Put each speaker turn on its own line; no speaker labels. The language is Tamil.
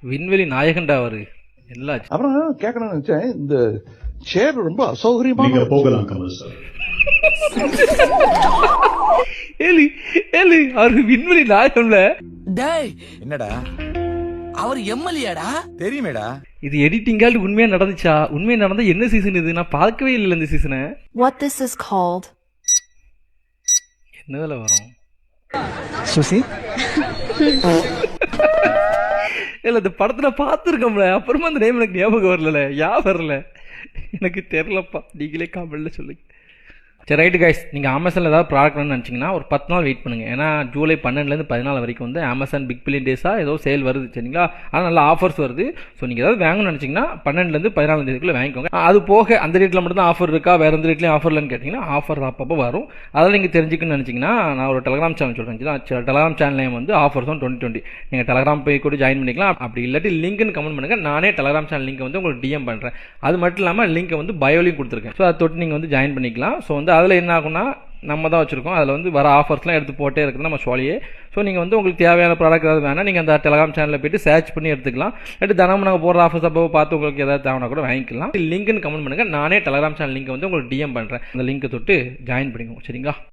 விண்வெளி நாயகன்டா அவரு. எல்லாம்
அப்புறம் கேட்கணும்னு நினைச்சேன், இந்த சேர் ரொம்ப அசௌகரியமா.
நீங்க போகலாம் கமல் சார்.
ஏலி ஏலி அவரு விண்வெளி நாயகன்ல.
டேய்
என்னடா
அவர் எம்எல்ஏடா
தெரியுமேடா.
இது எடிட்டிங்கால் உண்மையா நடந்துச்சா? உண்மையா நடந்தா என்ன சீசன் இது? நான் பார்க்கவே இல்லை இந்த சீசனை.
What this is called?
என்னதுல வரும்?
சுசி
இல்ல இந்த படத்துல பார்த்துருக்கோம்ல, அப்புறமா அந்த நேம் எனக்கு ஞாபகம் வரல. வரல எனக்கு தெரியலப்பா, நீங்களே காமெடில சொல்லுங்க. சரி ரைட்டு கைஸ், நீங்கள் அமேசானில் ஏதாவது ப்ராடக்ட் வேணும்னு நினச்சிங்கன்னா ஒரு 10 நாள் வெயிட் பண்ணுங்கள். ஏன்னா ஜூலை 12லேருந்து 14 வரைக்கும் வந்து அமேசான் பிக் பில்லியன் டேஸாக ஏதோ சேல் வருது சரிங்களா. ஆனால் நல்ல ஆஃபர்ஸ் வருது. ஸோ நீங்கள் ஏதாவது வாங்கணும்னு நினச்சிங்கன்னா 12லேருந்து 14 தேதிக்குள்ளே வாங்கிக்கோங்க. அது போக அந்த ரேட்டில் மட்டும் தான் ஆஃபர் இருக்கா, வேறு எந்த ரேட்லையும் ஆஃபர் இல்லைன்னு கேட்டிங்கன்னா ஆஃபர் அப்பப்போ வரும். அதெல்லாம் நீங்கள் தெரிஞ்சுக்கணும்னு நினச்சிங்கன்னா நான் ஒரு டெலகிராம் சேனல் சொல்கிறேன். டெலகிராம் சேனல் நேம் வந்து ஆஃபர்ஸ் ஆன் 2020. நீங்கள் டெலகிராம் போய் கூட ஜாயின் பண்ணிக்கலாம். அப்படி இல்லாட்டி லிங்க்னு கமெண்ட் பண்ணுங்கள். நானே டெலகிராம் சேனல் லிங்க் வந்து உங்களுக்கு டிஎம் பண்ணுறேன். அது மட்டும் இல்லாமல் லிங்க்கை வந்து பயோலையும் கொடுத்துருக்கேன். ஸோ அதை தொட்டு நீங்கள் வந்து ஜாயின் பண்ணிக்கலாம். ஸோ வந்து அதில் என்ன ஆகும்னா நம்ம தான் வச்சிருக்கோம், அதில் வந்து வர ஆஃபர்ஸ்லாம் எடுத்து போட்டே இருக்குது நம்ம ஷோலியே. ஸோ நீங்கள் வந்து உங்களுக்கு தேவையான ப்ராடக்ட் ஏதாவது வேணால் நீங்கள் அந்த டெலகிராம் சேனலில் போய்ட்டு சர்ச் பண்ணி எடுத்துக்கலாம். எடுத்து தினமும் நாங்கள் போடுற ஆஃபர்ஸ் அப்போ பார்த்து உங்களுக்கு ஏதாவது தேவைன்னா கூட வாங்கிக்கலாம். லிங்க்னு கமெண்ட் பண்ணுங்கள். நானே டெலகிராம் சேனல் லிங்க் வந்து உங்களுக்கு டிஎம் பண்ணுறேன். அந்த லிங்க்கை தொட்டு ஜாயின் பண்ணிக்கோங்க சரிங்களா.